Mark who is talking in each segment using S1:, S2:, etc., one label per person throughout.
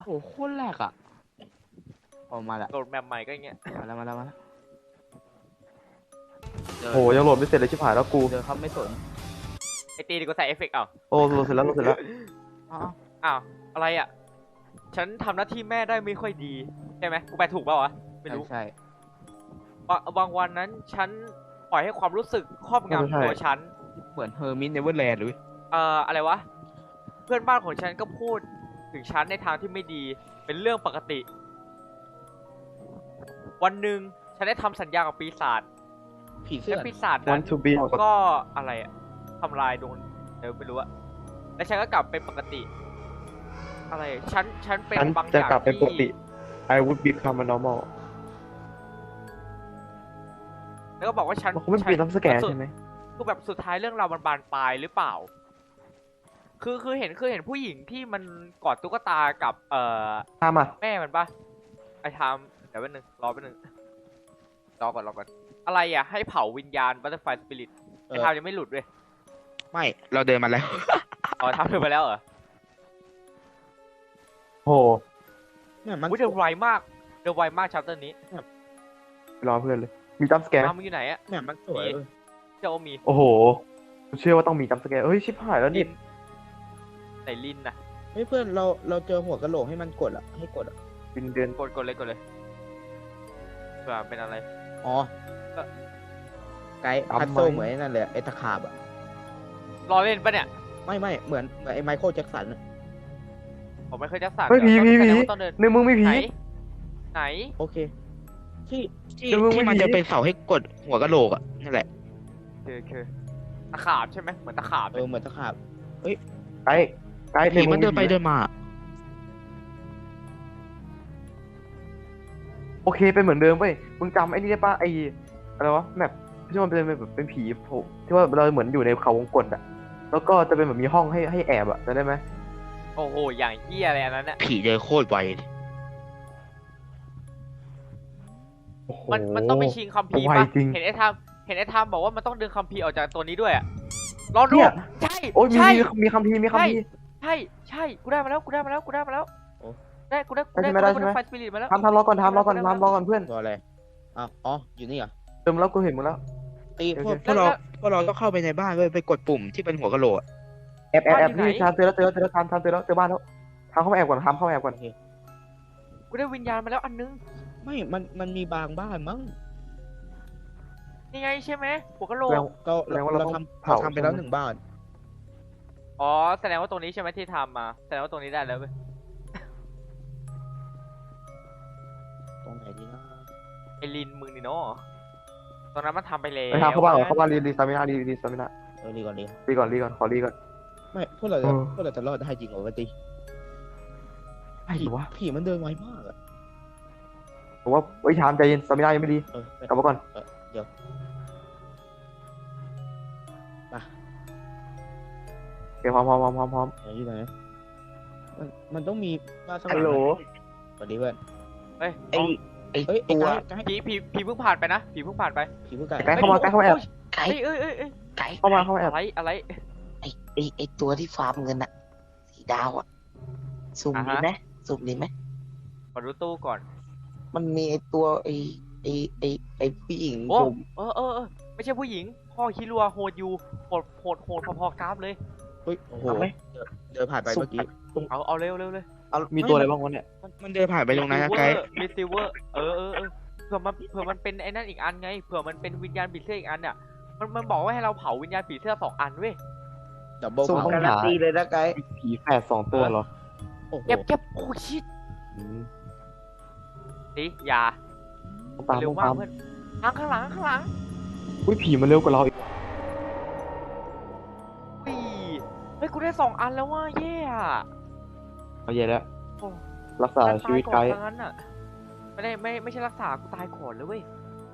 S1: โอ้โหโคตรแรกอ่ะออกมาแล้ว
S2: โหลดแมปใหม่ก็อย่างเงี้ย
S1: มาแล้วเดิน
S3: โหยังโหลดไม่เสร็จเลยชิบหายแล้วกู
S1: เดินครับไม่สน
S2: ไอตีดีก็ใส่เอฟเฟกต์เอา
S3: โอ้โหลดเสร็จแล้วโหลดเสร็จแล้ว
S1: อ้าว
S2: อ้าวอะไรอ่ะฉันทำหน้าที่แม่ได้ไม่ค่อยดีใช่ไหมกูแปลถูกเปล่าวะไม่รู้
S1: ใช่
S2: บางวันนั้นฉันปล่อยให้ความรู้สึกครอบงำตัวฉัน
S1: เหมือนเฮอร์มิสเนเวอร์แลนด์เลย
S2: อะไรวะเพื่อนบ้านของฉันก็พูดถึงฉันในทางที่ไม่ดีเป็นเรื่องปกติ วันหนึ่งฉันได้ทำสัญญากับปีศาจ
S1: ผีเสื้
S2: และ
S1: อ
S2: ปีศาจนั้น
S3: Want to be
S2: ก็อะไรอะทำลายดวงเดี๋ยวไม่รู้อะแล้วฉันก็กลับเป็นปกติ อะไรฉันเป็น
S3: ฉัน
S2: บางอ
S3: จะ
S2: ย่าง
S3: กลับเป็นปกติ
S2: ที่
S3: I would become a normal
S2: แล้วก็บอกว่าฉัน
S3: มันคงไม่เปลี่ยนทับสแกนใช่ไหม
S2: คือแบบสุดท้ายเรื่องราวมันบานปลายหรือเปล่า คือเห็นผู้หญิงที่มันกอดตุ๊กตากับ
S3: ตามอ่ะ
S2: แม่มันปะไอ้ทามเดี๋ยวแป๊บนึงรอแป๊บนึงรอก่อนอะไรอ่ะให้เผาวิญญาณบัตเตอร์ไฟสปิริตไอ้ทามยังไม่หลุดเลย
S1: ไม่เราเดินมาแล้ว
S2: อ๋อทามเดินไปแล้วเหรอ
S3: โห
S1: เนี่ยมัน
S2: อุ้ยเดินไวมากชัปเตอร์นี้
S3: รอเพื่อนเลยมีจัมสแกน
S2: ทามมึงอยู่ไหนอะ
S1: เนี่ยมันสวยเลย
S2: เจ้ามี
S3: โอ้โหเชื่อว่าต้องมีจัมสแกนเฮ้ยชิบหายแล้ว
S2: ลิ
S3: นี่
S2: นไหนลินน่ะ
S1: เฮ้ยเพื่อนเราเจอหัวกะโหลกให้มันกดอ่ะให้กดอ่ะ
S3: บินเดือน
S2: กดเลยเผื่อเป็นอะไร
S1: อ๋อ
S2: ก็
S1: ไกด์พัซโซเหมือนไอ้นั่นเลยไอ้ตะขาบอ่ะ
S2: รอเล่นปะเนี่ย
S1: ไม่เหมือนไอ้ไมเคิลแจ็คสันอะ
S2: ผมไม่เคยจะสั่ง
S3: เฮ้ยผี
S2: แสดงว่าต้องเดิน
S3: ในมึงไม่ผี
S2: ไหน
S1: โอเคที่ที่
S3: เดี๋ยวมึง
S1: ที่มัน
S3: ไม่ดี
S1: จะเป็นเสาให้กดหัวกะโหลกอ่ะนั่นแหละ
S2: คือตะขาบใช่ไหมเหมือนตะขาบ
S1: เหมือนตะขาบ
S3: ไกด์ไกด์
S1: ผี
S3: ในมึ
S1: มั
S3: ง
S1: นเดินไปเดินมา
S3: โอเคเป็นเหมือนเดิมเว้ยมึงจำไอ้นี่ได้ปะไอ้อะไรวะแมปที่มันเป็นแบบเป็นผีโผล่ที่ว่าเราเหมือนอยู่ในเขาวงกตอ่ะแล้วก็จะเป็นแบบมีห้องให้แอบอ่ะจำได้ไหม
S2: โอ้โหอย่างเหี้ยอะไรอันนั้นน่ะ
S1: ผีเดินโคตรไว
S3: โอ้โห
S2: มันต้องไปชิงคัมภีร์
S3: ไว
S2: ปะ
S3: จริง
S2: เห็นไอ้ทามบอกว่ามันต้องดึงคัมภีร์ออกจากตัวนี้ด้วยอะรอดู
S3: เนี่ย
S2: ใช่
S3: โอ้ยมี
S2: ใช่
S3: มีคัมภีร์มีคัมภีร์
S2: ใช่กูได้มาแล้วได้กูได้
S3: ได้ใช่ไหม
S2: ไฟสปิริตมาแล้ว
S3: ทำรอก่อนรอก่อนเพื่อน
S1: ตัวอะไรอ๋ออยู่นี่เหรอ
S3: เติมแล้วกูเห็นมึงแล้ว
S1: ตี
S3: โอ
S1: พวก
S3: เค
S1: พวกเราพวกเราต้องเข้าไปในบ้านเว้ยไปกดปุ่มที่เป็นหัวกะโหลกอะ
S3: แอบนี่ทำเจอแล้วทำเจอแล้วเจอบ้านแล้วทำเข้ามาแอบก่อนทำเข้ามาแอบก่อน
S2: กูได้วิญญาณมาแล้วอันนึง
S1: ไม่มันมีบางบ้านมั้ง
S2: นี่ไงใช่ไหมหัวกะโหลก
S3: แล้ว
S1: ก็
S3: แสดงว่าเรา
S1: เรา
S3: ต้อง
S1: ทำ
S3: เผา
S1: เราทำไปแล้ว
S3: ใช่ไหม
S1: 1 บ้าน
S2: อ๋อแสดงว่าตรงนี้ใช่ไหมที่ทำมาแสดงว่าตรงนี้ได้แล้วเว้ย
S1: ตรงไหนดีนะ
S2: ไอลินมึงนี่เนาะตรงนั้นมันทำไปแล้ว
S3: ไปทำเข้าบ้านก่อนเข้าบ้านรีสตามินารีสตามินา
S1: รีก่อน
S3: รีก่อนขอรีก่อน
S1: ไม่พวกเรา
S3: เออ
S1: พวกเราจะรอดได้จริงเหรอวะตี
S3: ไอ้วะ
S1: ผีมันเดินไวมากอะ
S3: ผมว่าไอ้ชามใจเย็นสตามินายังไม่ดี กลับมาก่อน
S1: เดี๋ยวมา
S3: โอเคพร้อม
S1: อยู่ไหนมันต้องมีมาสัก
S3: ฮัลโหล
S1: สวัสดีเพื่อน
S2: เฮ้ย
S1: เอ้ยไอ้ตัว
S2: ผีเพิ่งผ่านไปนะผีเพิ่งผ่านไป
S1: ผีผู้ไก่
S3: ไกด์เข้ามาแอบ
S4: ไก่
S2: เอ้ย
S4: ไก่
S3: เข้ามาแอบ
S2: อะไร
S4: ไอตัวที่ฟาร์มเงินอะสีดาวอะสุ่ม
S2: อ่า
S4: ดี
S2: ฮะ
S4: ไหมสุ่มดีไหม
S2: ขอดูตู้ก่อน
S4: มันมีไอตัวไอผู้หญิง
S2: โอ้
S4: ผม
S2: ไม่ใช่ผู้หญิงพ่อคิรัวโหดอยู่โหดพอๆกราฟเลย
S1: เฮ้ยโอ้โห
S4: เอาไหม
S1: เดินผ่านไปเมื่อกี้
S2: เอาเร็วเลย
S3: มีตัวอะไรบ้างวะเนี่ย
S1: มันเดินผ่านไปตรงนั้นนะไกด์
S2: รีซิเวอร์เผื่อมันเป็นไอ้นั่นอีกอันไงเผื่อมันเป็นวิญญาณผีเสื้ออีกอันเนี่ยมันบอกว่าให้เราเผาวิญญาณผีเสื้อ2 อันเว้ย
S1: ดับเบิล
S3: สุ่ม
S1: เผา
S3: ต้อง
S4: การันตีเลยนะไกด์
S3: ผีแฝด2 ตัวเหรอ
S1: โอ้โห
S2: เก็บโอ้ชิต
S3: อืม
S2: ดิอย่า
S3: ตาม
S2: เร็วมากเพื่อนข้างหลัง
S3: อุ้ยผีมันเร็วกว่าเราอีก
S2: อุ้ยเฮ้ยกูได้2 อันแล้วว่าเย่อะ
S3: เอาเย่แล้ว
S2: โอ้
S3: รักษาชีวิตไกด์
S2: ทั้งนั้นอ่ะไม่ใช่รักษากูตายก่อนเลยเว้ย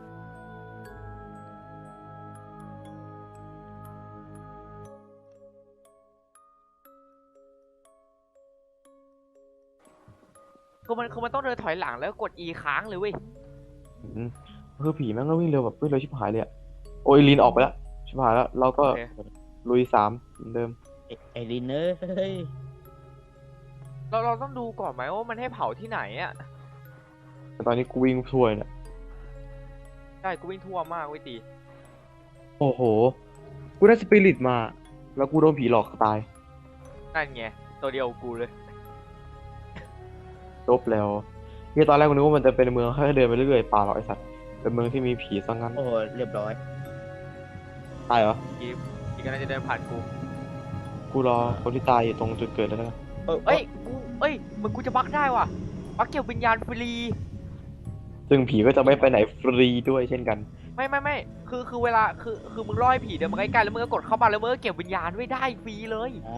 S2: คือมันต้องเดินถอยหลังแล้วกด E ค้างเลยเว้ย
S3: อืมคือผีแม่งก็วิ่งเร็วแบบวิ่งเร็วชิบหายเลยอะโอ้ยลีนออกไปแล้วชิบหายแล้วเราก็
S2: โอเค
S3: ลุย3เหมือนเดิม
S1: ไอ้ลินเอ้ย
S2: ตเราต้องดูก่อนไหมว่ามันให้เผาที่ไหนอ่ะ
S3: แต่ตอนนี้กูวิ่งทั่วเนี่ย
S2: ใช่กูวิ่งทั่วมากเว้ยตี
S3: โอ้โห กูได้สปิริตมา แล้วกูโดนผีหลอกตาย
S2: นั่นไงตัวเดียวกูเลย
S3: จบแล้วเนี่ยตอนแรกกูนึกว่ามันจะเป็นเมืองแค่เดินไปเรื่อยๆป่าหรอกไอสัตว์ เป็นเมืองที่มีผีซะงั้น
S1: โอ้เรียบร้อย
S3: ตายเหรอ
S2: อีกกำลังจะเดินผ่านกู
S3: กูรอคนที่ตายอยู่ตรงจุดเกิดแล้วกัน
S2: เอ้ยมึงกูจะบักได้ว่ะบักเก็บวิญญาณฟรี
S3: ซึ่งผีก็จะไม่ไปไหนฟรีด้วยเช่นกัน
S2: ไม่คือเวลาคือมึงล่อให้ผีเดินมาใกล้ๆแล้วมึงก็กดเข้ามาแล้วมึงก็เก็บวิญญาณไว้ได้ฟรีเลย
S1: อ๋อ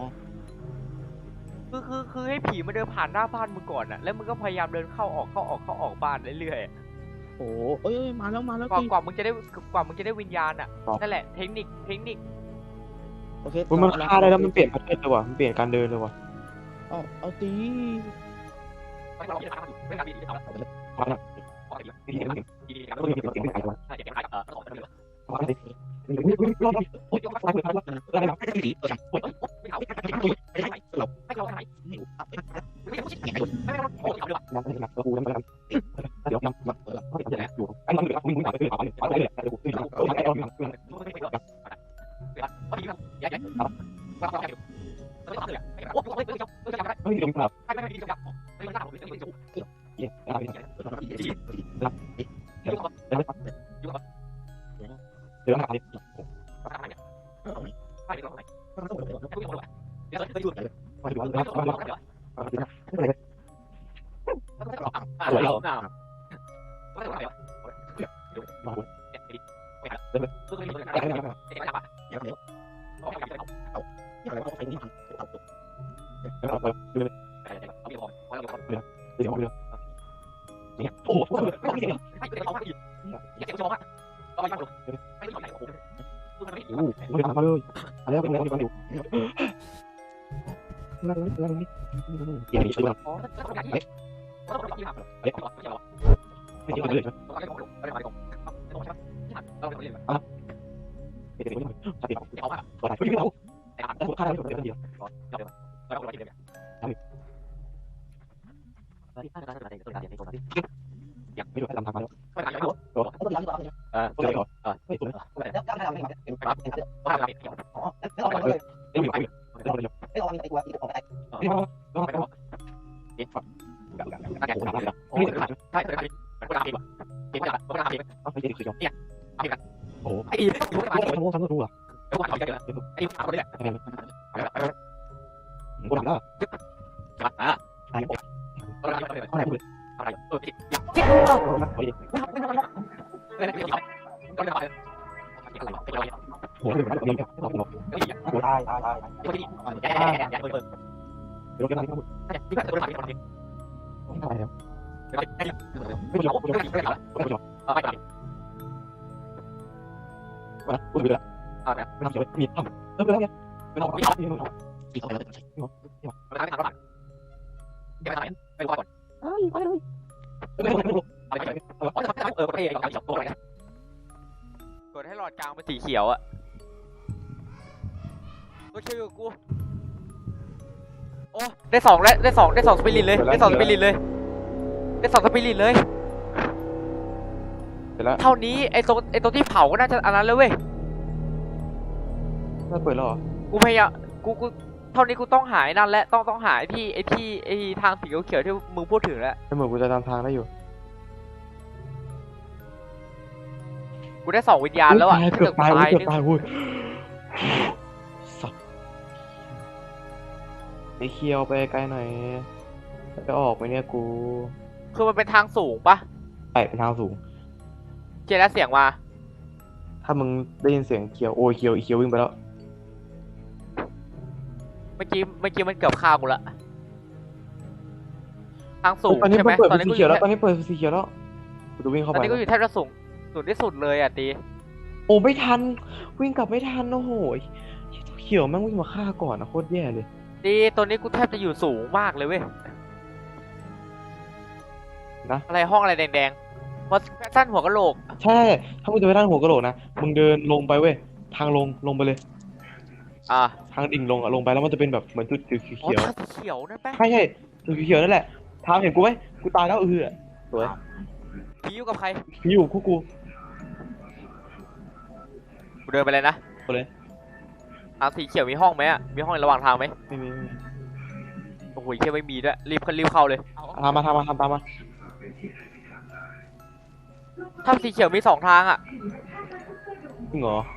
S2: คือให้ผีมาเดินผ่านหน้าบ้านมึงก่อนอะแล้วมึงก็พยายามเดินเข้าออกบ้านเรื่อยๆอะ
S1: โอ้เอ้ยมาแล้ว
S2: กว่า
S1: ตี
S2: กว่ามึงจะได้วิญญาณอะนั่นแหละเทคนิค
S1: โอเค
S3: มันฆ่าได้แล้วมันเปลี่ยนประเทศเลยว่ะ มันเปลี่ยนการเดินเลยว่ะ
S1: เอาตี
S3: พอละเดี๋ยวโอ้โหมาเลยมาแล้วเป็นอะไรกันอยู่นั่งนี่เดี๋ยวนี้ช่วยเราไม่ใช่เลยไม่ใช่เลยสติเอาตัวไหนไม่รู้แต่ฆ่าได้คนเดียวอยากไม่รู้ทำทางมาแล้วตัวตัวไหนก่อนไม่ตัวไม่โอ้โหทำรู้อ่ะกูทำแล้วอะไรพูดโอ้โหเดี๋ยวเราเนี่ยเราโอ้ตายเดี๋ยวกันนะไม่ทำอะไรแล้วไม่จบพูดไปแล้วไม่ทำเฉยมีทำไปแล้วเนี่ยไม่ทำตีเขาแล้ว
S2: กดให้หลอดกลางเป็นสีเขียวอะก็ช่วยกับกูโอ้ได้สองสปิริตเลยได้สองสปิริตเลยเท่านี้ไอ้ตรงที่เผาก็น่าจะอันนั้นเลยเว้ย
S3: น่าเปิดแล้วเหรอ
S2: กูพยายามกูเท่านี้กูต้องหายนั่นแหละต้องหายที่ทางสีเขียวที่มึงพูดถึงแล้ว
S3: เหมือนกูจะตามทางได้อยู่
S2: กูได้2วิญญาณแล้วอ่ะ
S3: เกือบตายเว้ยสับไอเคียวไปไกลหน่อยจะออกไปเนี่ยกู
S2: คือมันเป็นทางสูงปะ
S3: ไปเป็นทางสูง
S2: เจแล้วเสียงมา
S3: ถ้ามึงได้ยินเสียงเคียวโอ้ยเคียวอีเคียววิ่งไปแล้ว
S2: เมื่อกี้มันเกือบฆ่ากูละทางสูง
S3: ตอนนี้
S2: ใช่ไหม
S3: เปิด
S2: ตอน
S3: สี
S2: นี้กูอ
S3: เขียว
S2: ยู่
S3: แล้วตอนนี้เปิดสีเขียวแล้วกูจะวิ่งเข้า
S2: ตอน
S3: ไป
S2: นี้กูอยู่แทบจะสูงที่สุดเลยอ่ะตี
S3: โอ้ไม่ทันวิ่งกลับไม่ทันโอ้โหเขียวแม่งวิ่งมาฆ่าก่อนนะโคตรแย่เลย
S2: ตีตัวนี้กูแทบจะอยู่สูงมากเลยเว้ย
S3: นะ
S2: อะไรห้องอะไรแดงๆเพราะสั้นหัวกะโหลก
S3: ใช่ถ้ามึงจะไปด้านหัวกะโหลกนะมึงเดินลงไปเว้ยทางลงไปเลย ทางดิ่งลงอะลงไปแล้วมันจะเป็นแบบเหมือนจุดสี
S2: อ๋อ
S3: เขียว
S2: ทางสีเขียวนั่นปะ
S3: ใช่ตัวเขียวนั่นแหละทามเห็นกูไหมกูตายแล้วสวย
S2: ผีอยู่กับใคร
S3: พี่อยู่คู่กู
S2: กูเดินไปเลยนะ
S3: ไปเลย
S2: ทางสีเขียวมีห้องไหมอ่ะมีห้องในระหว่างทางไหม
S3: ไม่มี
S2: โอ้โหแค่ไม่มีด้วยรีบเข้าเลย
S3: ตามมาตามมา
S2: ถ้ำสีเขียวมี2 ทางอ่ะ
S3: จริงเหรอ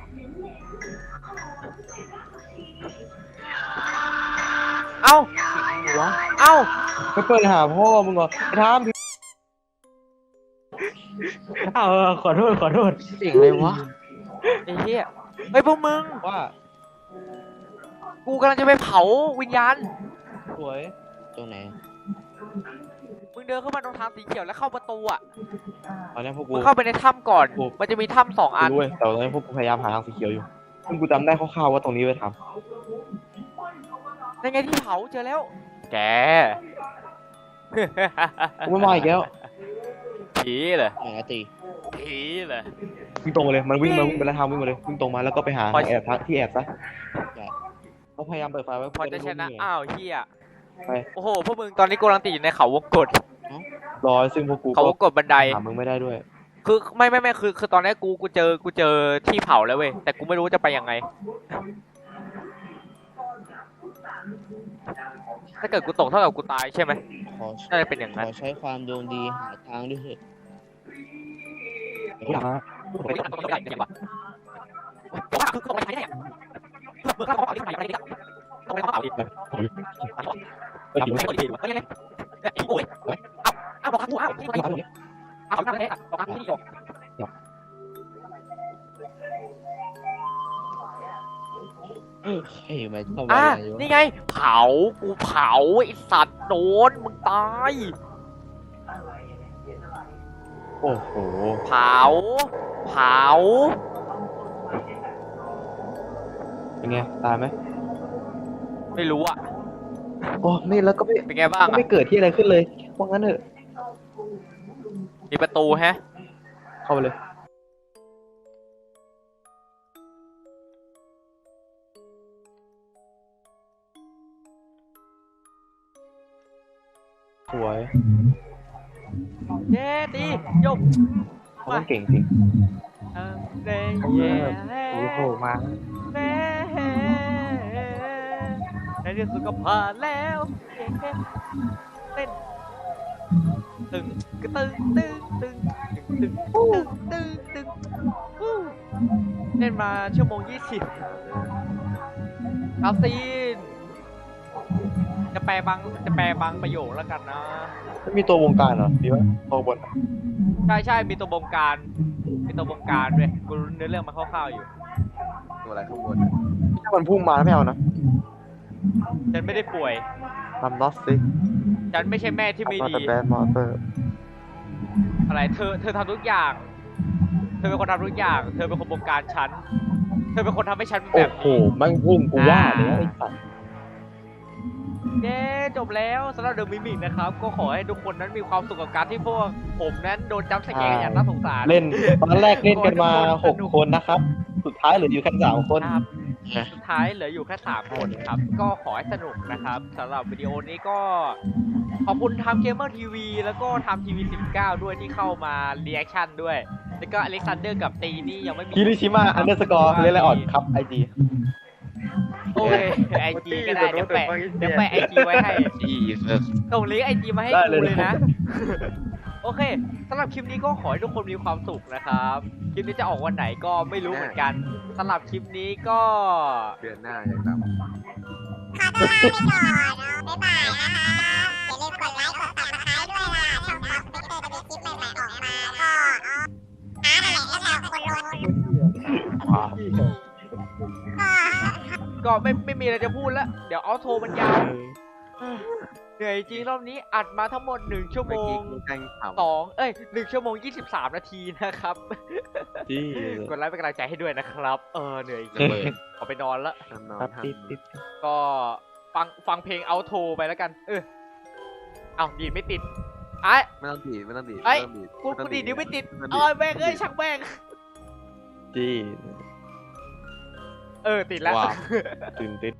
S2: เอ้า
S3: วะ
S2: เอ้า
S3: ไปเปิดหาพ่อมึงเหรอไอ้ทามขอโทษ
S4: เสียงอะไรวะ
S2: ไอ้เหี้ยเฮ้ยพวกมึง
S3: ว่า
S2: กูกำลังจะไปเผาวิญญาณ
S3: สวย
S4: ตรงไหน
S2: มึงเดินเข้ามาตรงทางสีเขียวแล้วเข้าประตูอ่ะ
S3: ตอนนี้พวกกู
S2: มึงเข้าไปในถ้ำก่อน
S3: กู
S2: มันจะมีถ้ำ2 อัน
S3: รู้เว้ยแต่ตอนนี้พวกกูพยายามหาทางสีเขียวอยู่ซึ่งกูจำได้คร่าวๆว่าตรงนี้ไปท
S2: ในไงที่เผาเจอแล้ว แก
S3: ำกูไม่มาอีกแล้ว
S2: ผีเหรอ
S4: ไหนอะตี
S2: ผีเหรอ
S3: วิ่งตรงมาเลยมันวิ่งไปแล้วทำวิ่งมาเลยวิ่งตรงมาแล้วก็ไปหา
S2: พอ
S3: แอบที่แอบซะ
S4: ได้
S3: เขาพยายามเปิดไฟไว้
S2: พอจะชนะ
S3: เพื่
S2: อ้าวเฮีย
S3: ไป
S2: โอ้โห พวกมึงตอนนี้กูกำลังติดอยู่ในเขาวงกต
S3: รอซึ่งพวกกู
S2: เขาวงกตบันได
S3: หามึงไม่ได้ด้วย
S2: คือไม่คือตอนนี้กูเจอที่เผาแล้วเว้ย แต่กูไม่รู้จะไปยังไง ถ้าเกิดกูตกเท่ากับกูตายใช่ไหม
S4: ขอ
S2: น่าจะเป็นอย่าง
S4: ข
S2: นั้น
S4: อใช้ความดวงดีหาทางด้วยเถอะ
S3: กูถามนะ
S2: ไม่ได้ต้องได้ดีกว่าผมว่าคือไม่ได้เมื่อเขาเอาที่ไหนไปได้ต้องไปเอาอีก
S3: ไปถึง
S2: ไม่ได้ไม่ได้โอ้ยเอาบอกกูเอาที่ไหนเอาที่ไหนบอกที่นี่จบ
S4: เฮ้ยมันเข้ามาอะไรวะ
S2: นี่ไงเผากูเผาไอสัตว์โดนมึงตาย
S3: โอ้โห
S2: เผา
S3: เป็นไงตายไหม
S2: ไม่รู้อ่ะ
S3: โอ้นี่แล้วก็ไม่
S2: เป็นไงบ้าง
S3: ก็
S2: อ่ะ
S3: ไม่เกิดที่อะไรขึ้นเลยว่างั้นเถอะ
S2: มีประตูแฮะ
S3: เข้าไปเลยสวย
S2: เย้ดียก
S3: เขาต้องเก่งจริง
S2: เย้เย้
S3: โอ้โหมา
S2: เย้ในที่สุดก็ผ่านแล้วเต้นตึงกระตึงตึงเล่นมาชั่วโมง 20เอาซีนจะแปลบางประโยคแล้วกันนะ
S3: ไม่มีตัววงการเหรอดีวะตัวบน
S2: ใช่มีตัวบงการด้วยกูรู้เนื้อเรื่องมาคร่าวๆอยู่
S3: ตัวอะไรข้างบนถ้ามันพุ่งมาไม่เอานะ
S2: ฉันไม่ได้ป่วย
S3: ทำน็อตซิก
S2: ฉันไม่ใช่แม่ที่ไม่
S3: มา
S2: ดี
S3: แต่แบนมอเตอร์
S2: อะไรเธอทำทุกอย่าง เธอเป็นคนทำทุกอย่าง เธอเป็นคนบงการฉัน เธอเป็นคนทำให้ฉันเป็น
S3: โอ้
S2: แบบ
S3: โห
S2: นี้
S3: แม่งพุ่งกูว่าเลยไอ้สัตว์
S2: เย้จบแล้วสำหรับเดอะมิมิกนะครับ ก็ขอให้ทุกคนนั้นมีความสุขกับการที่พวกผมนั้นโดนจับสแกนอย่างน่าสงสาร
S3: เล่นตอนแรกเล่นกันมา6 คนนะครับ สุดท้ายเหลืออยู่แค่3 คน
S2: ครับสุดท้ายเหลืออยู่แค่3 คนครับ ก็ขอให้สนุกนะครับสำหรับวิดีโอนี้ก็ขอบคุณทำเกมเมอร์ทีวีแล้วก็ทำทีวี19ด้วยที่เข้ามารีแอคชั่นด้วย แล้วก็อเล็กซานเดอร์กับตีนี่ยังไม่มี
S3: คิริชิมะอันเดอร์สกอร์เล่นอะไรอ่อนครับไอจี
S2: โอเคไอจีก็ได้เดี๋ยวแปะไอจีไว้ให้
S4: อีเออ
S2: ส่งลิงก์ไอจีมาให้กูเลยนะ โอเคสำหรับคลิปนี้ก็ขอให้ทุกคนมีความสุขนะครับ คลิปนี้จะออกวันไหนก็ไม่รู้เหมือนกันสำหรับคลิปนี้ก็
S3: เดือนหน้าอย่างต่ำ
S5: ขอตัวลาไปก่อนบ๊ายบายนะคะอย่าลืมกดไลค์ กดติดตามด้วยล่ะช่องท็อปสติ๊กเกอร์จะมีคลิปใหม่ๆออกมาก็นั่นแหละแล้วเราคนลงก็
S2: ก็ไม่มีอะไรจะพูดแล้ว เดี๋ยวเอาโทรมันยาวเหนื่อยจริงรอบนี้อัดมาทั้งหมด1 ชั่วโมง 1 ชั่วโมง 23 นาทีนะครับ
S3: จี้
S2: กดไลค์เป็นกำลังใจให้ด้วยนะครับ เหนื่อยจริงขอไปนอนละ
S3: ครับติด
S2: ก็ฟังเพลงเอาโทรไปแล้วกัน เอาดีดไม่ติดไอ้
S6: ไม่ต้องดีดไม่ต้องดีด
S2: ไอ้
S6: ไม่ต้องดีด
S2: กูดีดนิ้วไม่ติด
S6: ไม่ต้องดีด
S2: แม่งเอ้ยช่างแม่ง
S3: จี้
S2: ติดแล้ว
S3: ตื่นติด